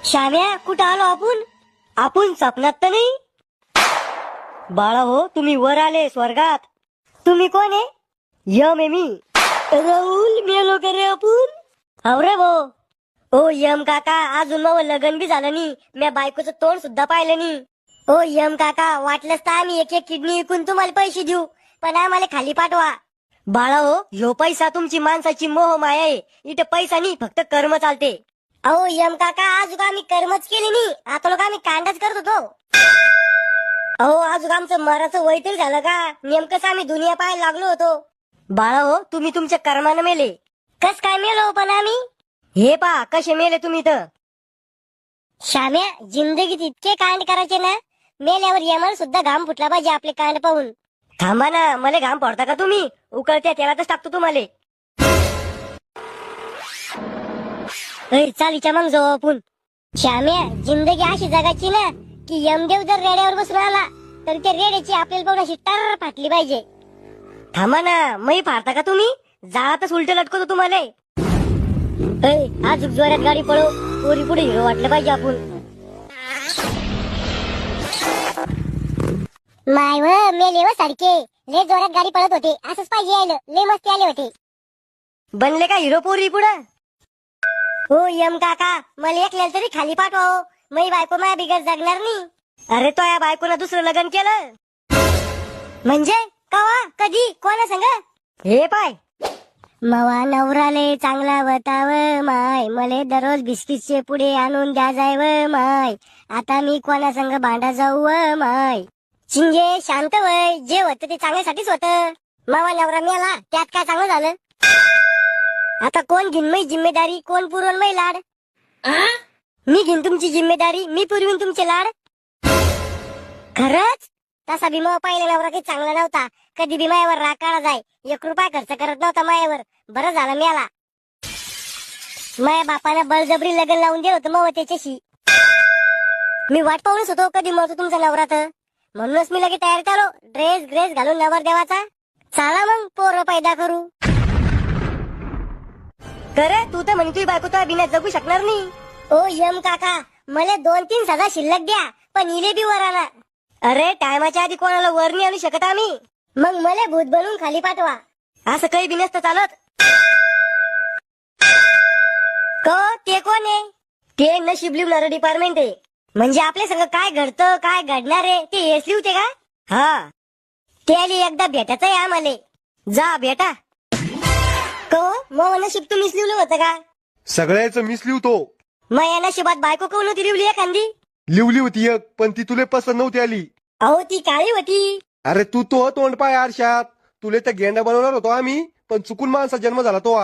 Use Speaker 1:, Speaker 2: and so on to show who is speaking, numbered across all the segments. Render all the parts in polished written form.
Speaker 1: श्याम्या, कुठं आलो आपण? आपण स्वप्नात तर नाही? बाळा हो, तुम्ही वर आले स्वर्गात. तुम्ही कोण आहे? यम आहे मी. राहुल, मेलो का रे आपण? हो रे भो. ओ यम काका, अजून मग लग्न बी झालं नाही, म्या बायकोचं तोंड सुद्धा पाहिलं नाही. ओ यम काका, वाटलंच तर आम्ही एक एक किडनी विकून तुम्हाला पैसे देऊ, पण आम्हाला खाली पाठवा. बाळा हो, ह्यो पैसा तुमची माणसाची मोह माया आहे. इथं पैसा नाही, फक्त कर्म चालते. अहो यम काका, आज आम्ही कर्मच केली नाही, आता लोक आम्ही कांडाच करत होतो. अहो आज आमचं मराचं वय तरी झालं का? नेमकंच आम्ही दुनिया पाहायला लागलो होतो. बाळा हो, तुम्ही तुमच्या कर्मानं मेले. कस काय मेलो पण आम्ही? हे पा कसे मेले तुम्ही तर. श्याम्या, जिंदगीत इतके कांड करायचे ना, मेल्यावर यमाला सुद्धा घाम फुटला पाहिजे आपले कांड पाहून. थांबा ना, मला घाम पडता का तुम्ही? उकळत्या तेलातच टाकतो तुम्हाला. चालीच्या मग जाऊ आपण. श्याम्या, जिंदगी अशी जगायची ना की यमदेव जर रेड्यावर बसून आला तर त्या रेड्याची आपल्याला पाहून अशी टर फाटली पाहिजे. थांबा ना, मै फाडता का तुम्ही? जाळातच उलट लटकवतो तुम्हाला. आज जोरात गाडी पळव, पोरी पुढे हिरो वाटलं पाहिजे आपण. माय व मेले व सारखे लय जोरात गाडी पळत होते, असंच पाहिजे यायला, लय मस्ती आले होते. बनले का हिरो पोरी पुढं? हो यम काका, मला एकल्याला तरी खाली पाठवा. मै बायको माझ्या बिगर जगणार नाही. अरे तो या बायकोनं दुसरं लग्न केलं म्हणजे? कवा, कधी, कोणा संग? हे पाय, मवा नवराले चांगला बताव माय, मले दररोज बिस्किटचे पुढे आणून द्या जाय व माय. आता मी कोणा संग भांडा जाऊ व माय. चिंगे शांत वय, जे होतं ते चांगल्यासाठीच होतं. मावा नवरा मेला, त्यात काय चांगलं झालं? आता कोण घेईन मै जिम्मेदारी, कोण पुरवून मै लाड? मी घेईन तुमची जिम्मेदारी, मी पुरवीन तुमचे लाड. खरंच? तसा बी मग पहिला नवरा काही चांगला नव्हता, कधी बी मायावर राग काढा जाय, 1 रुपया खर्च करत नव्हता मायावर. बरं झालं मेला. माया बापानं बळजबरी लग्न लावून दिलं होतं मग त्याच्याशी. मी वाट पाहूनच होतो कधी मरतो तुमचा नवरा तर, म्हणूनच मी लगेच तयार झालो, ड्रेस ग्रेस घालून नवर देवाचा. चला मग पोरं पैदा करू. करे तू तर म्हणे तुझी बायको तर बिना जगू शकणार नाही. ओ यम काका, मला 2-3 सजा शिल्लक द्या, पण इले बी वर आणा. अरे टायमाच्या आधी कोणाला वर नाही आणू शकत आम्ही. मग मला भूत बनवून खाली पाठवा. असं काही बी नसतं चालत. ते कोण आहे? ते नशीब लिहणारं डिपार्टमेंट आहे. म्हणजे आपल्या संग काय घडतं, काय घडणार आहे ते हेच लिहते का? हा, त्याली एकदा भेटायचं आहे आम्हाला. जा भेटा. मग नशीब तुम्हीच लिहिलं होतं का?
Speaker 2: सगळ्याच मीच लिहतो.
Speaker 1: मग या नशिबात बायको कोण होती लिवली एखादी?
Speaker 2: लिवली होती एक, पण ती तुले पसंत नव्हती आली.
Speaker 1: अहो ती काळी होती.
Speaker 2: अरे तू तो तोंड पाय आरशात. तुले तर गेंडा बनवणार होतो आम्ही, पण चुकून माणसा जन्म झाला तो.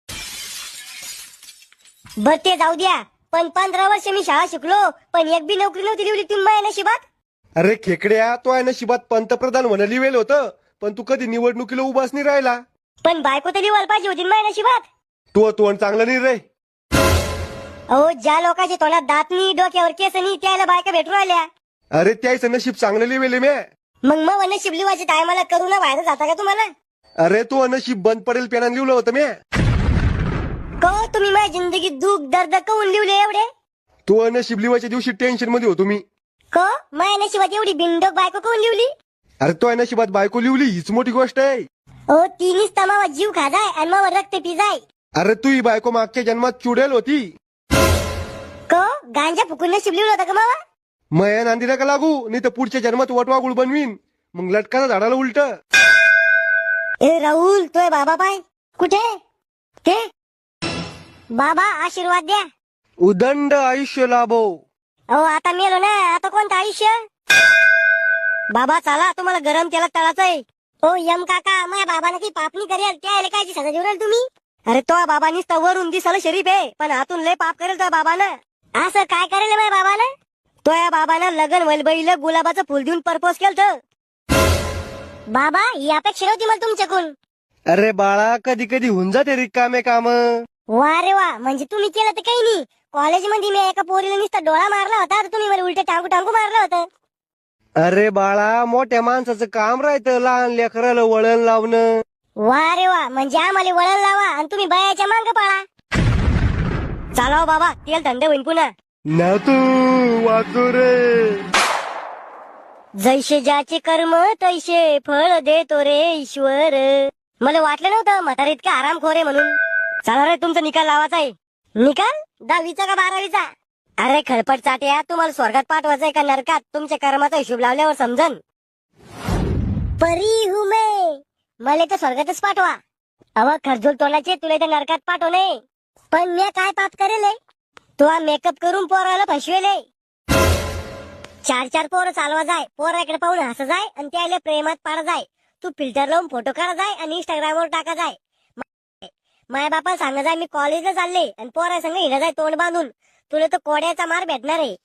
Speaker 1: बर ते जाऊ द्या, पण 15 वर्ष मी शाळा शिकलो, पण एक बी नोकरी नव्हती लिवली तुम्ही माझ्या नशिबात.
Speaker 2: अरे खेकड्या, तो आहे नशिबात पंतप्रधान म्हणा लिवेल होतं, पण तू कधी निवडणुकीला उभाच नाही राहिला.
Speaker 1: पण बायको तर लिवायला पाहिजे होती माझ्या नशिबात.
Speaker 2: तो तोंड चांगलं नाही रे.
Speaker 1: अहो ज्या लोकांच्या तोंडात दात नाही, डोक्यावर केस नाही, त्याला बायका भेटून राहिल्या.
Speaker 2: अरे त्याचं नशीब चांगलं लिवेले म्या.
Speaker 1: मग नशीब लिवायच्या टायमाला करू ना बाहेर जाता का तुम्हाला?
Speaker 2: अरे तो नशीब बंद पडेल पेनान लिवलं होतं म्या.
Speaker 1: तुम्ही माझ्या जिंदगीत दुःख दर्द कवून लिवले एवढे?
Speaker 2: तो नशीब लिवायच्या दिवशी टेन्शन मध्ये होतो मी.
Speaker 1: माझ्या नशिबात एवढी बिनडोक बायको कवून लिवली?
Speaker 2: अरे तो नशिबात बायको लिवली हीच मोठी गोष्ट आहे.
Speaker 1: तिनीच तमावा जीव खाजाय आणि मग रक्त पिजाय.
Speaker 2: अरे तू ही बायको मागच्या जन्मात चुडेल होती.
Speaker 1: गांजा फुकून नशीब लिवलं होतं का मावा?
Speaker 2: मया नांदी नका लागू, नाही तर पुढच्या जन्मात वटवागुळ बनवीन, मग लटकाना झाडाला उलट.
Speaker 1: राहुल, तोय बाबा पाय कुठे? ते बाबा आशीर्वाद द्या.
Speaker 2: उदंड आयुष्य लाभो.
Speaker 1: अहो आता मेलो ना, आता कोणतं आयुष्य? बाबा चला, तुम्हाला गरम तेलात तळाचं आहे. ओ यम काका, माझ्या बाबाने काही पाप नाही करेल, त्याला काय सजा देऊ तुम्ही? अरे तो बाबानीच तर वरून दिसायला शरीफ आहे, पण आतून लय पाप करेल तो बाबानं. असं काय करेल माझ्या बाबानं? तो या बाबानं लगन वलबईला गुलाबाचं फुल देऊन प्रपोज केलं. बाबा ही अपेक्षा नव्हती मला तुमच्याकडून.
Speaker 2: अरे बाळा, कधी कधी होऊन जाते रिकामे काम.
Speaker 1: वा रे वा, म्हणजे तुम्ही केलं तर काही नाही. कॉलेजमध्ये मी एका पोरीला नुसता डोळा मारला होता, तर तुम्ही मला उलट टांगू टांगू मारलं होतं.
Speaker 2: अरे बाळा, मोठ्या माणसाचं काम राहतं लहान लेकराला वळण लावणं.
Speaker 1: वा रे वा, म्हणजे आम्हाला वळण लावा आणि तुम्ही बायाच्या मांग पाळा. चालाव बाबा, तेल थंड होईन पुन्हा.
Speaker 2: ना तू वाचो रे.
Speaker 1: जैसे ज्याचे कर्म तैसे फळ देतो रे ईश्वर. मला वाटलं नव्हतं म्हातारा इतका आरामखोर आहे म्हणून. चला रे, तुमचा निकाल लावायचा आहे. निकाल 10वीचा का 12वीचा? अरे खळपट चाट्या, तुम्हाला स्वर्गात पाठवायचंय का नरकात? तुमच्या कर्माचा हिशोब लावल्यावर समजन. परी हूं मैं, मला तर स्वर्गातच पाठवा. अव खरजूल तोंडाचे, तुला तर नरकात पाठवणे. पण मी काय पाप करेल? तू मेकअप करून पोराला फसवेले. 4 पोरं चालवा जाय, पोराकडे पाहून हसा जाय आणि त्याला प्रेमात पाडा जाय. तू फिल्टर लावून फोटो काढा जाय आणि इंस्टाग्रामवर टाका जाय. माया बापा सांगा जाय मी कॉलेजला चालले आणि पोरा संग हिला जाय तोंड बांधून. तुला तर कोड्याचा मार भेटणार आहे.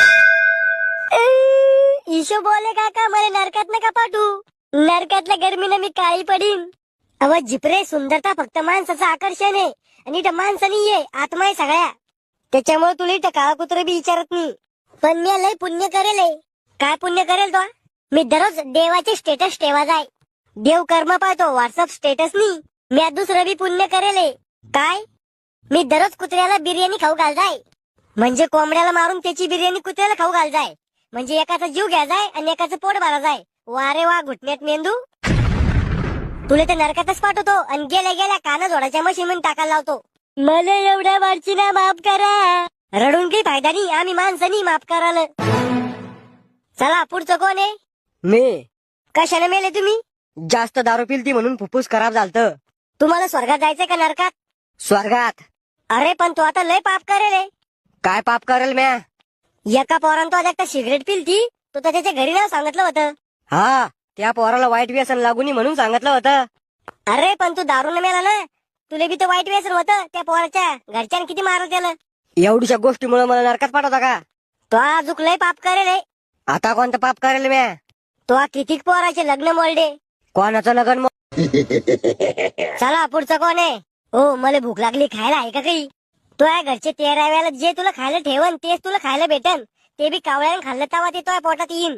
Speaker 1: ईशो बोले काका, मला नरकात नका पाठवू. नरकातल्या गर्मीनं मी काळी पडीन. अव जिपरे, सुंदरता फक्त माणसाचं आकर्षण आहे आणि इथं माणसं नाहीये, आत्मा आहे सगळ्या. त्याच्यामुळे तुला इथं काळा कुत्र बी विचारत नाही. पण मी लय पुण्य करेल. काय पुण्य करेल तो? मी दररोज देवाचे स्टेटस ठेवा जाय. देव कर्म पाहतो, व्हॉट्सअप स्टेटस नाही. मी दुसरं बी पुण्य करेल. काय? मी दररोज कुत्र्याला बिर्याणी खाऊ घाल जाय. म्हणजे कोंबड्याला मारून त्याची बिर्याणी कुत्र्याला खाऊ घाल जाय. म्हणजे एकाचा जीव घ्या जाय आणि एकाचं पोट भरा जाय. वा रे वा, घुटण्यात मेंदू. तुला तर नरकातच पाठवतो आणि गेल्या गेल्या काना जोडाच्या मशीन टाकायला लावतो. मला एवढ्या वारची ना माफ करा. रडून काही फायदा नाही, आम्ही माणसानी माफ कराल. चला, पुढचं कोण आहे?
Speaker 3: मी.
Speaker 1: कशाने मेले तुम्ही?
Speaker 3: जास्त दारू पिलती म्हणून फुफ्फुस खराब झालत.
Speaker 1: तुम्हाला स्वर्गात जायचंय का नरकात?
Speaker 3: स्वर्गात.
Speaker 1: अरे पण तू आता लय पाप करेल.
Speaker 3: काय पाप करेल म्या?
Speaker 1: एका पोरानं तो आता सिगरेट पिलती, तो तर त्याच्या घरी नाव सांगितलं होतं.
Speaker 3: हा, त्या पोराला वाईट व्यसन लागून म्हणून सांगितलं होतं.
Speaker 1: अरे पण तू दारू न मेला ना, तुला बी तर वाईट व्यसन होतं. त्या पोराच्या घरच्यानं किती मारलं त्याला.
Speaker 3: एवढ्या गोष्टीमुळे मला नरकात पाठवता का?
Speaker 1: तो अजूक लय पाप करेल.
Speaker 3: आता कोणतं पाप करेल म्या?
Speaker 1: तो किती पोराचे लग्न मोडले.
Speaker 3: कोणाचं लग्न
Speaker 1: चला, पुढचं कोण आहे? हो, मला भूक लागली, खायला आहे का काही? तो या घरचे 13 वेळेला जे तुला खायला ठेवन तेच तुला खायला भेटन. ते बी कावळ्यानं खाल्लं तेव्हा ते तो पोटात येईन.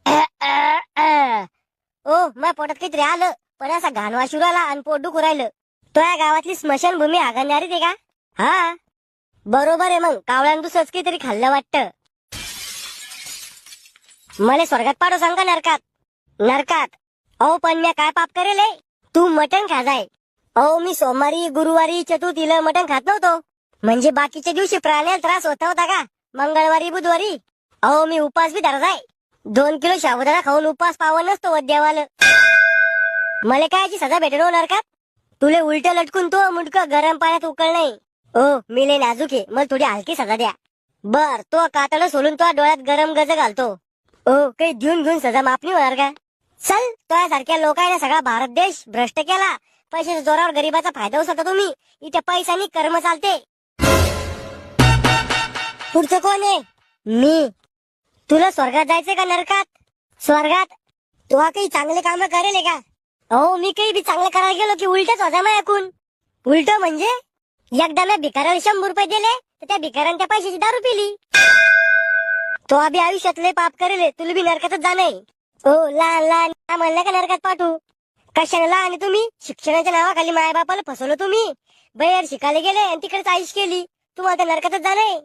Speaker 1: ओ, माझ्या पोटात काहीतरी आलं, पण असा घाण वाशू राहिला आणि पोट दुखू राहिलं. तो या गावातली स्मशानभूमी हागणारी ते का? हा बरोबर आहे. मग कावळ्यानं दुसरंच काहीतरी खाल्लं वाटतं. मला स्वर्गात पाडो सांगा नरकात? नरकात. अहो पण मी काय पाप करेल? तू मटण खा जाय. अहो मी सोमवारी, गुरुवारी, चतुर्थीला मटण खात नव्हतो. म्हणजे बाकीच्या दिवशी प्राण्याला त्रास होता का? मंगळवारी, बुधवारी. अहो मी उपास बी धरा जाय. 2 किलो साबुदाणा खाऊन उपास पावन नसतो वद्यावाला. मला कायची सजा भेटेल हो नरकात? तुले उलट लटकून तो मुंडकं गरम पाण्यात उकळ नाही. ओ मी लय नाजूक आहे, मला थोडी हलकी सजा द्या. बर, तो कातडं सोलून तो डोळ्यात गरम गज घालतो. ओ काही घेऊन सजा माफ नाही होणार का? चल, तो सारख्या लोकांना सगळा भारत देश भ्रष्ट केला. पैशाच्या जोरावर गरीबाचा फायदा उचलता तुम्ही. इथे पैशानी कर्म चालते. पुढचं कोण आहे? मी. तुला स्वर्गात जायचंय का नरकात? स्वर्गात. तू काही चांगले काम करेल का? अहो मी काही बी चांगलं करायला गेलो की उलटच होता मग ऐकून. उलट म्हणजे एकदा मी भिकाऱ्याला 100 रुपये दिले तर त्या भिकाऱ्याने त्या पैशाची दारू पिली. तो अभि आयुष्यात लय पाप करेल. तुला बी नरकातच जाणं. ओ लहान लहान म्हणलं का नरकात पाठवू? कशाने लहान आहे तुम्ही? शिक्षणाच्या नावाखाली माया बापाला फसवलं तुम्ही. बाहेर शिकायला गेले आणि तिकडेच आयुष केली. तुम्हाला तर नरकातच जाणं.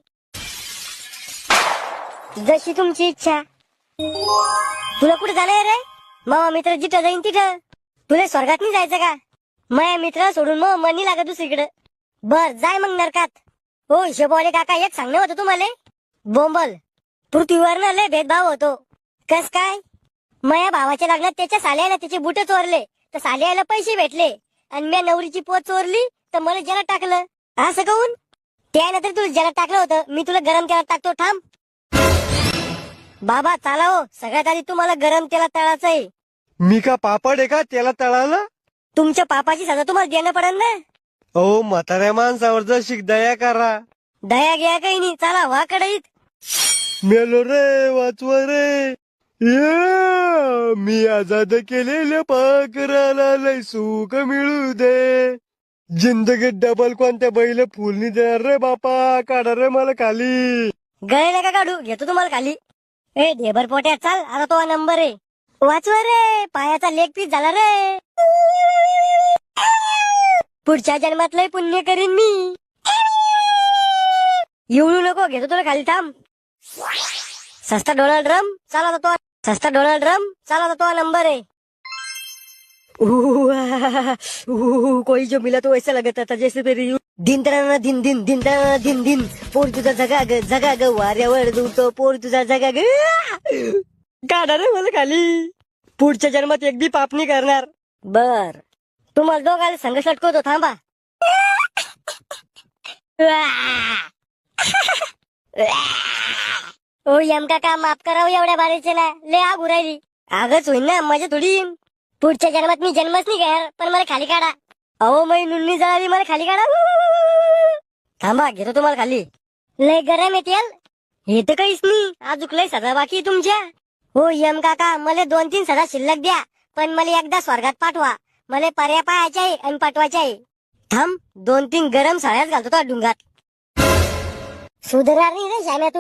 Speaker 1: जशी तुमची इच्छा. तुला कुठे जाणार रे? मामा मित्र जिथं जाईन तिथं. तुला स्वर्गात नाही जायचं का? माया मित्र सोडून मग मनी लागत दुसरीकडे. बर जाय मग नरकात. हो हिशोबवाले काका, एक सांगणं होतं तुम्हाला. बोंबल. पृथ्वीवर ना लय भेदभाव होतो. कस काय? माया भावाच्या लग्नात त्याच्या साल्याला त्याचे बुट चोरले तर साल्याला पैसे भेटले आणि मी नवरीची पोत चोरली तर मला जलात टाकलं. असं कहून? त्यानंतर तुला जलात टाकलं होतं, मी तुला गरम तेलात टाकतो. थांब बाबा, चाला हो. सगळ्यात आधी तुम्हाला गरम तेलात तळायचं आहे.
Speaker 2: मी का पापड आहे का त्याला तळाला?
Speaker 1: तुमच्या पापाची सजा तुम्हाला देणं पडेल ना.
Speaker 2: अहो म्हाताऱ्या माणसावर जशी दया करा.
Speaker 1: दया घ्या काही नाही. चला वा कडईत.
Speaker 2: मेलो रे, वाचवा रे. या, मी आजाद केलेल्या पाखराला लय सुख मिळू दे. जिंदगीत डबल कोणत्या बैल फुलनी देणार रे बापा. काढा रे मला खाली.
Speaker 1: गळे नका काढू, घेतो तुम्हाला खाली. ए ढेबर पोट्या, चाल आता तो नंबर आहे. वाचवा रे, पायाचा लेग पीस झाला रे. पुढच्या जन्मात लय पुण्य करीन मी. येऊ नको, घेतो तुला खाली, थांब. सस्ता डोनाल्ड ड्रम चाला तो, सस्ता डोनाल्ड ड्रम चाला तो नंबर है. कोई जो मिला तो ऐसा लगता था जैसे तेरी दिन तराना दिन दिन दिन तराना दिन दिन पोर तुझा जगा ग वाऱ्यावर दुतो पोर तुझा जगा ग. काढा रे मला खाली. पुढच्या जन्मात एक बी पाप नाही करणार. बर, तुम्हाला दोघांना संघ लटकवतो, थांबा. ओ यम काका, माफ करावं एवढ्या बारीचे ना, लय आग उरायली. आगच होईन ना, मजा थोडी येईन. पुढच्या जन्मात मी जन्मच नाही घेणार, पण मला खाली काढा. अहो मै नुन्नी जळाली, मला खाली काढा. थांबा, घेतो तुम्हाला खाली. लय गरम आहे तेल. हे तर काहीच नाही, अजून लय सदा बाकी आहे तुमच्या. हो यम काका, मला 2-3 सदा शिल्लक द्या, पण मला एकदा स्वर्गात पाठवा. मला पर्या पाहायचे आहे आणि पाठवायचे आहे. थांब, 2-3 गरम साळ्याच घालतो तो डुंगात. सुधारणार नाही रे श्याम्या तू.